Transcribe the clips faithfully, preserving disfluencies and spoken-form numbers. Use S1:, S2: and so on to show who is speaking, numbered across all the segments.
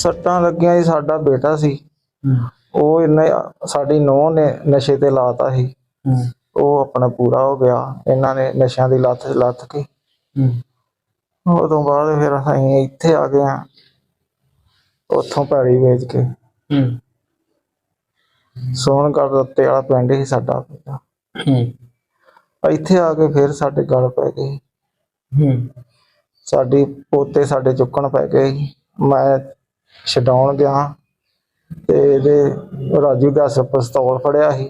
S1: सट्टां लगियां जी साडा बेटा सी ਉਹ ਇਹਨੇ ਸਾਡੀ ਨੂੰਹ ਨੇ ਨਸ਼ੇ ਤੇ ਲਾਤਾ ਸੀ। ਉਹ ਆਪਣਾ ਪੂਰਾ ਹੋ ਗਿਆ, ਇਹਨਾਂ ਨੇ ਨਸ਼ਿਆਂ ਦੀ ਲੱਤ ਲੱਥ ਕੇ ਉਹ ਤੋਂ ਬਾਅਦ ਫਿਰ ਅਸੀਂ ਇੱਥੇ ਆ ਗਏ ਆ, ਉੱਥੋਂ ਪੈੜੀ ਵੇਚ ਕੇ ਸੋਹਣਗੜ੍ਹ ਰੱਤੇ ਵਾਲਾ ਪਿੰਡ ਸੀ ਸਾਡਾ। ਇੱਥੇ ਆ ਕੇ ਫਿਰ ਸਾਡੇ ਗਲ ਪੈ ਗਏ, ਸਾਡੀ ਪੋਤੇ ਸਾਡੇ ਚੁੱਕਣ ਪੈ ਗਏ। ਮੈਂ ਛਡਾਉਣ ਗਿਆ ਤੇ ਇਹਦੇ ਰਾਜੂ ਦਾ ਪਿਸਤੌਲ ਫੜਿਆ ਸੀ,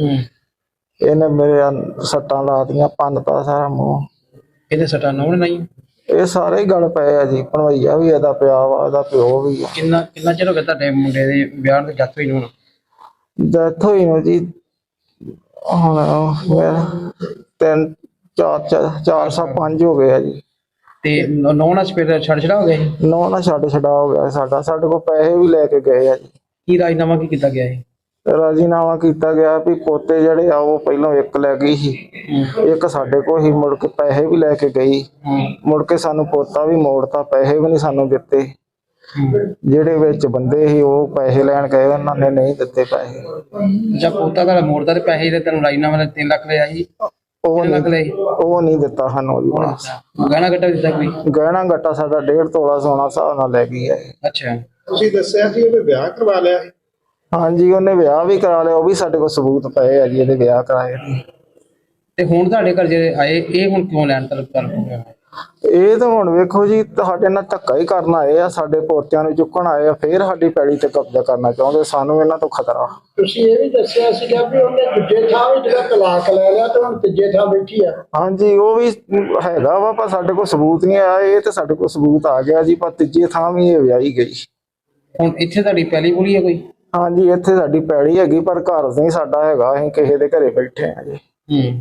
S1: ਇਹਨੇ ਮੇਰੇ ਸੱਟਾਂ ਲਾਤੀਆਂ, ਭੰਨਤਾ ਸਾਰਾ ਮੂੰਹ।
S2: ਇਹਦੇ ਸੱਟਾਂ ਨੌਣ ਨਹੀਂ,
S1: ਇਹ ਸਾਰੇ ਹੀ ਗਲ ਪਏ ਆ ਜੀ। ਭਣਵਈਆ ਵੀ ਇਹਦਾ ਪਿਆ ਵਾ, ਇਹਦਾ ਪਿਓ ਵੀ ਆ।
S2: ਕਿੰਨਾ ਕਿੰਨਾ ਚਿਰ ਹੋ ਗਿਆ ਤੁਹਾਡੇ ਮੁੰਡੇ ਦੇ ਵਿਆਹ ਤੇ ਡੈਥ ਹੋਈ ਨੂੰ?
S1: ਡੈਥ ਹੋਈ ਨੂੰ ਜੀ ਹੁਣ ਮੇਰਾ ਤਿੰਨ ਚਾਰ ਚਾਰ ਸੌ ਪੰਜ ਹੋ ਗਏ ਆ ਜੀ।
S2: ਤੇ ਨੌ ਨਾਲ ਫਿਰ ਛੱਡ ਛੜਾ ਹੋ ਗਿਆ ਸੀ?
S1: ਨੌ ਨਾਲ ਛੱਡ ਛਡਾ ਹੋ ਗਿਆ ਸਾਡਾ। ਸਾਡੇ ਕੋਲ ਪੈਸੇ ਵੀ ਲੈ ਕੇ ਗਏ ਆ ਜੀ।
S2: ਕੀ ਰਾਜਨਾਮਾ ਕੀ ਕੀਤਾ ਗਿਆ ਹੈ?
S1: ਰਾਜੀਨਾਮਾ ਕੀਤਾ ਗਿਆ ਵੀ ਪੋਤੇ ਜਿਹੜੇ ਆ ਉਹ ਪਹਿਲਾਂ ਇੱਕ ਲੈ ਗਈ ਸੀ, ਇੱਕ ਸਾਡੇ ਕੋਲ ਹੀ। ਮੁੜ ਕੇ ਪੈਸੇ ਵੀ ਲੈ ਕੇ ਗਈ, ਮੁੜ ਕੇ ਸਾਨੂੰ ਪੋਤਾ ਵੀ ਮੋੜਤਾ, ਪੈਸੇ ਵੀ ਨਹੀਂ ਸਾਨੂੰ ਦਿੱਤੇ। ਜਿਹੜੇ ਵਿੱਚ ਬੰਦੇ ਸੀ ਉਹ ਪੈਸੇ ਲੈਣ ਗਏ, ਉਹਨਾਂ ਨੇ ਨਹੀਂ ਦਿੱਤੇ ਪੈਸੇ।
S2: ਜਦ ਪੋਤਾ ਦਾ ਮੋੜਦਾ ਤੇ ਪੈਸੇ ਦੇ ਤੈਨੂੰ ਰਾਜਨਾਮਾ ਦਾ ਤਿੰਨ ਲੱਖ ਲਿਆ ਸੀ,
S1: ਉਹ ਨਹੀਂ ਉਹ ਨਹੀਂ ਦਿੱਤਾ ਸਾਨੂੰ ਜੀ।
S2: ਗਹਿਣਾ ਗੱਟਾ ਦਿੱਤਾ ਕੋਈ?
S1: ਗਹਿਣਾ ਗੱਟਾ ਸਾਡਾ ਡੇਢ ਤੋਲਾ ਸੋਨਾ ਹਿਸਾਬ ਨਾਲ ਲੈ ਗਈ ਹੈ।
S2: ਅੱਛਾ,
S3: ਤੁਸੀਂ ਦੱਸਿਆ ਸੀ ਉਹਨੇ ਵਿਆਹ ਕਰਵਾ ਲਿਆ ਸੀ?
S1: ਹਾਂਜੀ, ਉਹਨੇ ਵਿਆਹ ਵੀ ਕਰਾ ਲਿਆ, ਉਹ ਵੀ ਸਾਡੇ ਕੋਲ ਸਬੂਤ ਪਏ ਆ ਜੀ ਇਹਦੇ ਵਿਆਹ ਕਰਾਏ।
S2: ਤੇ ਹੁਣ ਤੁਹਾਡੇ ਘਰ ਜਿਹੜੇ ਆਏ ਇਹ ਹੁਣ ਕਿਉਂ ਲੈਣ ਤਲਬ ਕਰ ਰਹੇ ਹੋ?
S1: ਇਹ ਤਾਂ ਹੁਣ ਵੇਖੋ ਜੀ, ਤੁਹਾਡੇ ਨਾਲ ਧੱਕਾ ਹੀ ਕਰਨ ਆਏ ਆ, ਸਾਡੇ ਪੋਤਿਆਂ ਨੂੰ ਚੁੱਕਣ ਆਏ ਆ, ਫੇਰ ਸਾਡੀ ਪੈੜੀ ਤੇ ਕਬਜ਼ਾ ਕਰਨਾ ਚਾਹੁੰਦੇ। ਸਾਨੂੰ ਇਹਨਾਂ ਤੋਂ ਖਤਰਾ।
S3: ਤੁਸੀਂ ਇਹ ਵੀ ਦੱਸਿਆ ਸੀਗਾ ਵੀ ਉਹਨੇ ਦੂਜੇ ਥਾਂ ਵੀ ਜਿਹੜਾ ਤਲਾਕ ਲੈ ਲਿਆ ਤੇ ਹੁਣ ਤੀਜੇ ਥਾਂ ਬੈਠੀ ਆ।
S1: ਹਾਂਜੀ, ਉਹ ਵੀ ਹੈਗਾ ਵਾ, ਪਰ ਸਾਡੇ ਕੋਲ ਸਬੂਤ ਨਹੀਂ ਆਇਆ। ਇਹ ਤੇ ਸਾਡੇ ਕੋਲ ਸਬੂਤ ਆ ਗਿਆ ਜੀ, ਪਰ ਤੀਜੇ ਥਾਂ ਵੀ ਇਹ ਵਿਆਹੀ ਗਈ।
S2: ਹੁਣ ਇੱਥੇ ਤੁਹਾਡੀ ਪਹਿਲੀ ਬੁਲੀ ਹੈ ਕੋਈ?
S1: ਹਾਂਜੀ, ਇੱਥੇ ਸਾਡੀ ਪੈੜੀ ਹੈਗੀ, ਪਰ ਘਰ ਨਹੀਂ ਸਾਡਾ ਹੈਗਾ, ਅਸੀਂ ਕਿਸੇ ਦੇ ਘਰੇ ਬੈਠੇ ਆ ਜੀ।
S2: ਹੂੰ,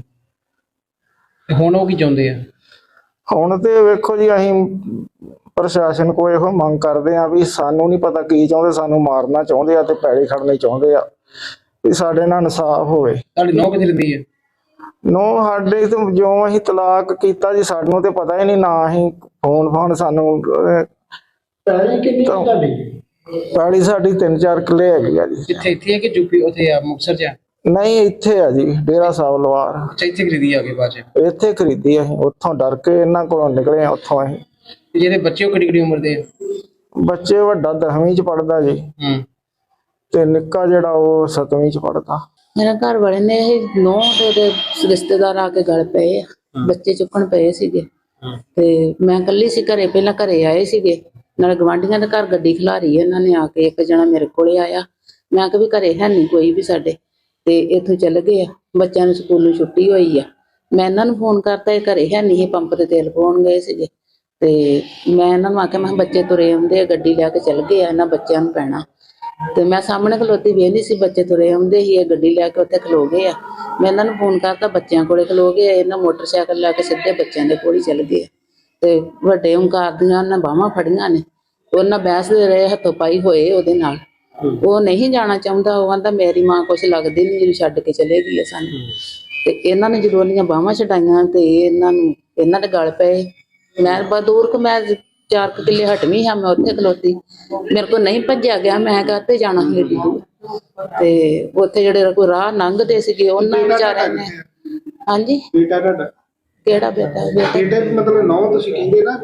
S2: ਤੇ ਹੁਣ ਉਹ ਕੀ ਚਾਹੁੰਦੇ ਆ?
S1: ਹੁਣ ਤੇ ਵੇਖੋ ਜੀ, ਅਸੀਂ ਪ੍ਰਸ਼ਾਸਨ ਕੋਲ ਇਹੋ ਮੰਗ ਕਰਦੇ ਆ ਵੀ ਸਾਨੂੰ ਨਹੀਂ ਪਤਾ ਕੀ ਚਾਹੁੰਦੇ, ਸਾਨੂੰ ਮਾਰਨਾ ਚਾਹੁੰਦੇ ਆ ਤੇ ਪੈੜੀ ਖੜਨੀ ਚਾਹੁੰਦੇ ਆ, ਵੀ ਸਾਡੇ ਨਾਲ ਇਨਸਾਫ ਹੋਵੇ।
S2: ਤੁਹਾਡੀ ਨੌ ਕਿੱਥੇ ਰਹਿੰਦੀ ਹੈ?
S1: ਨੋ ਸਾਡੇ ਤੋਂ ਜਿਉਂ ਅਸੀਂ ਤਲਾਕ ਕੀਤਾ ਜੀ, ਸਾਨੂੰ ਤੇ ਪਤਾ ਹੀ ਨਹੀਂ, ਨਾ ਅਸੀਂ ਫੋਨ ਫੋਨ ਸਾਨੂੰ।
S3: ਪੈਲੀ ਕਿੰਨੀ ਤੁਹਾਡੀ?
S1: ਪੈੜੀ ਸਾਡੀ ਤਿੰਨ ਚਾਰ ਕਿੱਲੇ ਹੈਗੀ ਆ ਜੀ।
S2: ਕਿੱਥੇ ਇੱਥੇ ਹੈ ਕਿ ਯੂਪੀ ਉੱਥੇ ਆ ਮੁਕਤਸਰ ਚ?
S1: ਨਹੀਂ, ਇੱਥੇ ਆ ਜੀ, ਡੇਰਾ ਸਾਹਿਬ ਲਵਾਰ।
S2: ਅੱਛਾ, ਇੱਥੇ ਖਰੀਦੀ ਆ ਕੇ ਬਾਅਦ ਚ?
S1: ਇੱਥੇ ਖਰੀਦੀ ਅਸੀਂ, ਉੱਥੋਂ ਡਰ ਕੇ ਇਹਨਾਂ ਕੋਲੋਂ ਨਿਕਲੇ ਆ ਉੱਥੋਂ ਅਸੀਂ।
S2: ਜਿਹੜੇ ਬੱਚੇ ਉਹ ਕਿਹੜੀ ਕਿਹੜੀ ਉਮਰ ਦੇ?
S1: ਬੱਚੇ ਵੱਡਾ ਦਸਵੀਂ ਚ ਪੜਦਾ ਜੀ,
S2: ਹੂੰ,
S1: ਤੇ ਨਿੱਕਾ ਜਿਹੜਾ ਉਹ ਸੱਤਵੀਂ ਚ ਪੜਦਾ।
S4: ਮੇਰੇ ਘਰ ਵਾਲੇ ਨੇ ਇਹ ਨੌ ਦੇ ਰਿਸ਼ਤੇਦਾਰ ਆ ਕੇ ਗਲ ਪਏ ਆ, ਬੱਚੇ ਚੁੱਕਣ ਪਏ ਸੀਗੇ। ਤੇ ਮੈਂ ਇਕੱਲੀ ਸੀ ਘਰੇ, ਪਹਿਲਾਂ ਘਰੇ ਆਏ ਸੀਗੇ, ਨਾਲ ਗਵਾਂਢੀਆਂ ਦੇ ਘਰ ਗੱਡੀ ਖਿਲਾਰੀ ਇਹਨਾਂ ਨੇ ਆ ਕੇ। ਇੱਕ ਜਣਾ ਮੇਰੇ ਕੋਲੇ ਆਇਆ, ਮੈਂ ਕਿਹਾ ਵੀ ਘਰੇ ਹੈ ਨਹੀਂ ਕੋਈ ਵੀ ਸਾਡੇ, ਤੇ ਇੱਥੋਂ ਚੱਲ ਗਏ ਆ। ਬੱਚਿਆਂ ਨੂੰ ਸਕੂਲੋਂ ਛੁੱਟੀ ਹੋਈ ਆ, ਮੈਂ ਇਹਨਾਂ ਨੂੰ ਫੋਨ ਕਰਤਾ, ਇਹ ਘਰੇ ਹੈ ਨਹੀਂ, ਪੰਪ ਤੇ ਤੇਲ ਪਾਉਣ ਗਏ ਸੀਗੇ। ਤੇ ਮੈਂ ਇਹਨਾਂ ਨੂੰ ਆਖਿਆ, ਮੈਂ ਬੱਚੇ ਤੁਰੇ ਆਉਂਦੇ ਆ, ਗੱਡੀ ਲੈ ਕੇ ਚੱਲ ਗਏ ਆ, ਇਹਨਾਂ ਬੱਚਿਆਂ ਨੂੰ ਪੈਣਾ। ਤੇ ਮੈਂ ਸਾਹਮਣੇ ਖਲੋਤੀ ਵੇਖਦੀ ਸੀ, ਬੱਚੇ ਤੁਰੇ ਆਉਂਦੇ ਸੀ, ਇਹ ਗੱਡੀ ਲੈ ਕੇ ਉੱਥੇ ਖਲੋ ਗਏ ਆ। ਮੈਂ ਇਹਨਾਂ ਨੂੰ ਫੋਨ ਕਰਤਾ, ਬੱਚਿਆਂ ਕੋਲੇ ਖਲੋ ਗਏ, ਇਹਨਾਂ ਮੋਟਰਸਾਈਕਲ ਲੈ ਕੇ ਸਿੱਧੇ ਬੱਚਿਆਂ ਦੇ ਕੋਲ ਹੀ ਚੱਲ ਗਏ। ਤੇ ਵੱਡੇ ਓਂਕਾਰ ਦੀਆਂ ਉਹਨਾਂ ਬਾਹਾਂ ਫੜੀਆਂ ਨੇ, ਉਹਨਾਂ ਬਹਿਸਦੇ ਰਹੇ, ਹੱਥੋਂ ਪਾਈ ਹੋਏ ਉਹਦੇ ਨਾਲ। ਉਹ ਨਹੀਂ ਜਾਣਾ ਚਾਹੁੰਦਾ, ਉਹ ਕਹਿੰਦਾ ਮੇਰੀ ਮਾਂ ਕੁਛ ਲੱਗਦੀ ਨਹੀਂ, ਜਦੋਂ ਛੱਡ ਕੇ ਚਲੇ ਗਈ ਆ ਸਾਨੂੰ। ਤੇ ਇਹਨਾਂ ਨੇ ਜਦੋਂ ਉਹਦੀਆਂ ਬਾਹਾਂ ਛਡਾਈਆਂ ਤੇ ਇਹਨਾਂ ਨੂੰ ਇਹਨਾਂ ਦੇ ਗਲ ਪਏ। ਮੈਂ ਬਸ ਦੂਰ ਕੁ ਮੈਂ ਚਾਰ ਕੁ ਕਿੱਲੇ ਹਟਵੀਂ ਹਾਂ, ਮੈਂ ਉੱਥੇ ਖਲੋਤੀ, ਮੇਰੇ ਕੋਲ ਨਹੀਂ ਭੱਜਿਆ ਗਿਆ, ਮੈਂ ਕਾਹਤੇ ਜਾਣਾ ਸੀ ਏਡੀ ਦੂਰ। ਤੇ ਉੱਥੇ ਜਿਹੜੇ ਕੋਈ ਰਾਹ ਲੰਘਦੇ ਸੀਗੇ ਉਹਨਾਂ ਵਿਚਾਰਿਆਂ ਨੇ। ਹਾਂਜੀ,
S3: ਬੇਟਾ ਤੁਹਾਡਾ?
S4: ਕਿਹੜਾ ਬੇਟਾ?
S3: ਬੇਟੇ ਮਤਲਬ ਨੌ ਤੁਸੀਂ ਕਹਿੰਦੇ ਨਾ,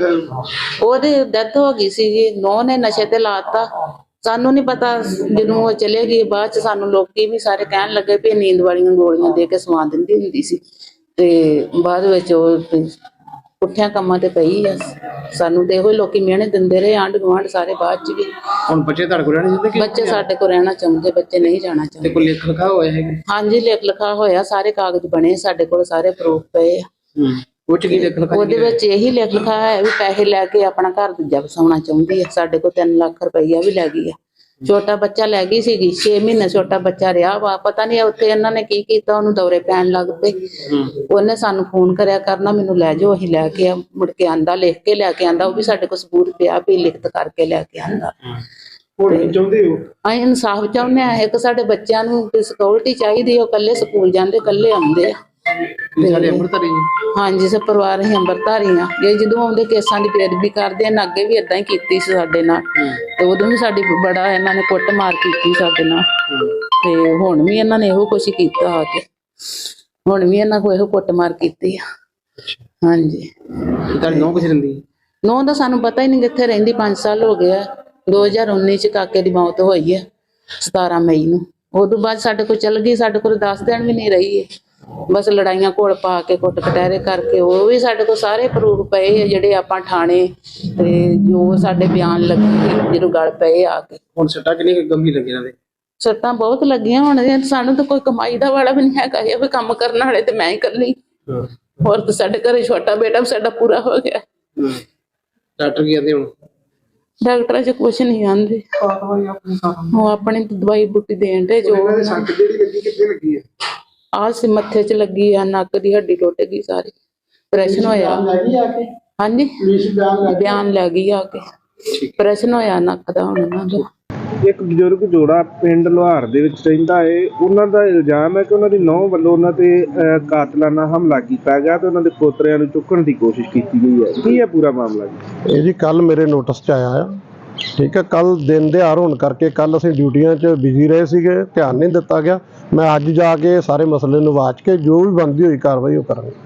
S4: ਉਹਦੀ ਡੈਥ ਹੋ ਗਈ ਸੀ ਜੀ, ਨੌ ਨੇ ਨਸ਼ੇ ਤੇ ਲਾਤਾ। ਸਾਨੂੰ ਨਹੀਂ ਪਤਾ, ਜਦੋਂ ਉਹ ਚਲੇ ਗਈ ਬਾਅਦ ਚ ਸਾਨੂੰ ਲੋਕੀ ਵੀ ਸਾਰੇ ਕਹਿਣ ਲੱਗੇ ਵੀ ਨੀਂਦ ਵਾਲੀਆਂ ਗੋਲੀਆਂ ਦੇ ਕੇ ਸਵਾ ਦਿੰਦੀ ਹੁੰਦੀ ਸੀ। ਤੇ ਬਾਅਦ ਵਿੱਚ ਉਹ ਪੁੱਠਿਆਂ ਕੰਮਾਂ ਤੇ ਪਈ ਆ। ਸਾਨੂੰ ਤੇ ਇਹੋ ਲੋਕੀ ਮਿਹਣੇ ਦਿੰਦੇ ਰਹੇ, ਆਂਢ ਗੁਆਂਢ ਸਾਰੇ। ਬਾਅਦ ਚ ਵੀ
S2: ਹੁਣ ਬੱਚੇ ਤੁਹਾਡੇ ਕੋਲ ਰਹਿਣਾ ਚਾਹੁੰਦੇ?
S4: ਬੱਚੇ ਸਾਡੇ ਕੋਲ ਰਹਿਣਾ ਚਾਹੁੰਦੇ, ਬੱਚੇ ਨਹੀਂ ਜਾਣਾ ਚਾਹੁੰਦੇ।
S2: ਕੋਈ ਲਿਖ ਲਿਖਾ ਹੋਇਆ ਹੈ?
S4: ਹਾਂਜੀ, ਲਿਖ ਲਿਖਾ ਹੋਇਆ, ਸਾਰੇ ਕਾਗਜ਼ ਬਣੇ ਸਾਡੇ ਕੋਲ, ਸਾਰੇ ਪ੍ਰੂਫ ਪਏ ਆ।
S2: ਉਹ ਚ ਕੀ ਲਿਖ ਲਿਖਾ?
S4: ਉਹਦੇ ਵਿੱਚ ਇਹੀ ਲਿਖ ਲਿਖਾ ਹੈ ਵੀ ਪੈਸੇ ਲੈ ਕੇ ਆਪਣਾ ਘਰ ਦੂਜਾ ਵਸਾਉਣਾ ਚਾਹੁੰਦੀ ਹੈ। ਸਾਡੇ ਕੋਲ ਤਿੰਨ ਲੱਖ ਰੁਪਈਆ ਵੀ ਲੈ ਗਈ ਆ। ਛੋਟਾ ਬੱਚਾ ਲੈ ਗਈ ਸੀਗੀ, ਛੇ ਮਹੀਨੇ ਛੋਟਾ ਬੱਚਾ ਰਿਹਾ ਵਾ। ਪਤਾ ਨਹੀਂ ਉੱਥੇ ਇਹਨਾਂ ਨੇ ਕੀ ਕੀਤਾ, ਉਹਨੂੰ ਦੌਰੇ ਪੈਣ ਲੱਗ ਪਏ। ਉਹਨੇ ਸਾਨੂੰ ਫੋਨ ਕਰਿਆ ਕਰਨਾ, ਮੈਨੂੰ ਲੈ ਜਾਓ, ਅਸੀਂ ਲੈ ਕੇ ਆ। ਮੁੜ ਕੇ ਆਂਦਾ, ਲਿਖ ਕੇ ਲੈ ਕੇ ਆਂਦਾ, ਉਹ ਵੀ ਸਾਡੇ ਕੋਲ ਸਬੂਤ ਪਿਆ ਵੀ ਲਿਖਤ ਕਰਕੇ ਲੈ ਕੇ ਆਂਦਾ।
S3: ਹੁਣ ਚਾਹੁੰਦੇ ਹੋ?
S4: ਅਸੀਂ ਇਨਸਾਫ ਚਾਹੁੰਦੇ ਆ। ਇੱਕ ਸਾਡੇ ਬੱਚਿਆਂ ਨੂੰ ਸਿਕਿਉਰਿਟੀ ਚਾਹੀਦੀ, ਉਹ ਇਕੱਲੇ ਸਕੂਲ ਜਾਂਦੇ, ਇਕੱਲੇ ਆਉਂਦੇ ਆ।
S2: ਇਹ ਸਾਡੇ ਅੰਮ੍ਰਿਤਧਾਰੀ ਜੀ।
S4: ਹਾਂਜੀ ਸਭ ਪਰਿਵਾਰ ਅਸੀਂ ਅੰਮ੍ਰਿਤਧਾਰੀ ਆ। ਇਹ ਜਦੋਂ ਆਉਂਦੇ ਕੇਸਾਂ ਦੀ ਬੇਅਦਬੀ ਕਰਦੇ ਇਹਨਾਂ ਅੱਗੇ ਵੀ ਇਦਾਂ ਹੀ ਕੀਤੀ ਸੀ ਸਾਡੇ ਨਾਲ, ਤੇ ਉਦੋਂ ਵੀ ਸਾਡੀ ਬੜਾ ਇਹਨਾਂ ਨੇ ਕੁੱਟ ਮਾਰ ਕੀਤੀ ਸਾਡੇ ਨਾਲ, ਤੇ ਹੁਣ ਵੀ ਇਹਨਾਂ ਨੇ ਇਹੋ ਕੁਛ ਕੀਤਾ ਆ ਕੇ, ਹੁਣ ਵੀ ਇਹਨਾਂ ਕੋਲ ਇਹੋ ਕੁੱਟ ਮਾਰ ਕੀਤੀ ਆ। ਹਾਂਜੀ
S2: ਤੇ ਤੁਹਾਡੀ ਨੌਂ ਕਿੱਥੇ ਰਹਿੰਦੀ?
S4: ਨੌਂ ਦਾ ਸਾਨੂੰ ਪਤਾ ਹੀ ਨਹੀਂ ਕਿੱਥੇ ਰਹਿੰਦੀ। ਪੰਜ ਸਾਲ ਹੋ ਗਏ ਆ। ਦੋ ਹਜ਼ਾਰ ਉੱਨੀ ਚ ਕਾਕੇ ਦੀ ਮੌਤ ਹੋਈ ਹੈ ਸਤਾਰਾਂ ਮਈ ਨੂੰ। ਉਦੋਂ ਬਾਅਦ ਸਾਡੇ ਕੋਲ ਚੱਲ ਗਈ, ਸਾਡੇ ਕੋਲ ਦਸ ਦਿਨ ਵੀ ਨਹੀਂ ਰਹੀ ਹੈ। ਬਸ ਲੜਾਈਆਂ ਘੋਲ ਪਾ ਕੇ ਕੁੱਟ ਕਟਹਿਰੇ ਕਰਕੇ, ਉਹ ਵੀ ਸਾਡੇ ਕੋਲ ਸਾਰੇ ਪ੍ਰੂਫ ਪਏ ਆ ਜਿਹੜੇ ਆਪਾਂ ਥਾਣੇ ਤੇ ਜੋ ਸਾਡੇ ਬਿਆਨ ਲੱਗੇ ਜਦੋਂ ਗੱਲ ਪਏ ਆ ਕੇ।
S2: ਹੁਣ ਸੱਟਾਂ ਕਿੰਨੀ ਕੁ ਗੰਭੀਰ ਲੱਗੀ ਇਹਨਾਂ ਦੇ?
S4: ਸੱਟਾਂ ਬਹੁਤ ਲੱਗੀਆਂ। ਹੁਣ ਇਹ ਸਾਨੂੰ ਤਾਂ ਕੋਈ ਕਮਾਈ ਦਾ ਵਾਲਾ ਵੀ ਨਹੀਂ ਹੈਗਾ, ਇਹ ਵੀ ਕੰਮ ਕਰਨ ਵਾਲੇ ਤੇ ਮੈਂ ਹੀ ਇਕੱਲੀ। ਹੋਰ ਤਾਂ ਸਾਡੇ ਘਰੇ ਛੋਟਾ ਬੇਟਾ ਵੀ ਸਾਡਾ ਪੂਰਾ ਹੋ ਗਿਆ।
S2: ਡਾਕਟਰ ਕੀ ਕਹਿੰਦੇ ਹੁਣ?
S4: ਡਾਕਟਰਾਂ ਚ ਕੁਛ ਨਹੀਂ ਆਂਦੇ, ਉਹ ਆਪਣੀ ਦਵਾਈ ਬੂਟੀ ਦੇਣ ਦੇ ਜੋ
S3: ਸੱਟ ਜਿਹੜੀ ਲੱਗੀ ਕਿੱਥੇ ਲੱਗੀ ਹੈ?
S4: ਆਹ ਸੀ ਮੱਥੇ ਚ ਲੱਗੀ ਆ, ਨੱਕ ਦੀ ਹੱਡੀ ਟੁੱਟ ਗਈ ਸਾਰੀ, ਆਪਰੇਸ਼ਨ ਹੋਇਆ।
S3: ਲੱਗੀ ਆ ਕੇ
S4: ਹਾਂਜੀ
S3: ਪੁਲਿਸ ਬਿਆਨ ਲੈ
S4: ਬਿਆਨ ਲੈ ਗਈ ਆ ਕੇ, ਆਪਰੇਸ਼ਨ ਹੋਇਆ ਨੱਕ ਦਾ ਹੁਣ ਉਹਨਾਂ ਦਾ।
S5: ਇੱਕ ਬਜ਼ੁਰਗ ਜੋੜਾ ਪਿੰਡ ਲੋਹਾਰ ਦੇ ਵਿੱਚ ਰਹਿੰਦਾ ਹੈ। ਉਹਨਾਂ ਦਾ ਇਲਜ਼ਾਮ ਹੈ ਕਿ ਉਹਨਾਂ ਦੀ ਨੂੰਹ ਵੱਲੋਂ ਉਹਨਾਂ ਤੇ ਅਹ, ਕਾਤਲਾਨਾ ਹਮਲਾ ਕੀਤਾ ਗਿਆ ਤੇ ਉਹਨਾਂ ਦੇ ਪੋਤਰਿਆਂ ਨੂੰ ਚੁੱਕਣ ਦੀ ਕੋਸ਼ਿਸ਼ ਕੀਤੀ ਗਈ ਹੈ। ਕੀ ਹੈ ਪੂਰਾ ਮਾਮਲਾ ਜੀ?
S6: ਇਹ ਜੀ ਕੱਲ ਮੇਰੇ ਨੋਟਿਸ 'ਚ ਆਇਆ ਆ। ਠੀਕ ਹੈ, ਕੱਲ ਦਿਨ ਦਿਹਾੜ ਹੋਣ ਕਰਕੇ ਕੱਲ ਅਸੀਂ ਡਿਊਟੀਆਂ 'ਚ ਬਿਜ਼ੀ ਰਹੇ ਸੀਗੇ, ਧਿਆਨ ਨਹੀਂ ਦਿੱਤਾ ਗਿਆ। ਮੈਂ ਅੱਜ ਜਾ ਕੇ ਸਾਰੇ ਮਸਲੇ ਨੂੰ ਵਾਚ ਕੇ ਜੋ ਵੀ ਬਣਦੀ ਹੋਈ ਕਾਰਵਾਈ ਉਹ ਕਰਾਂਗੇ।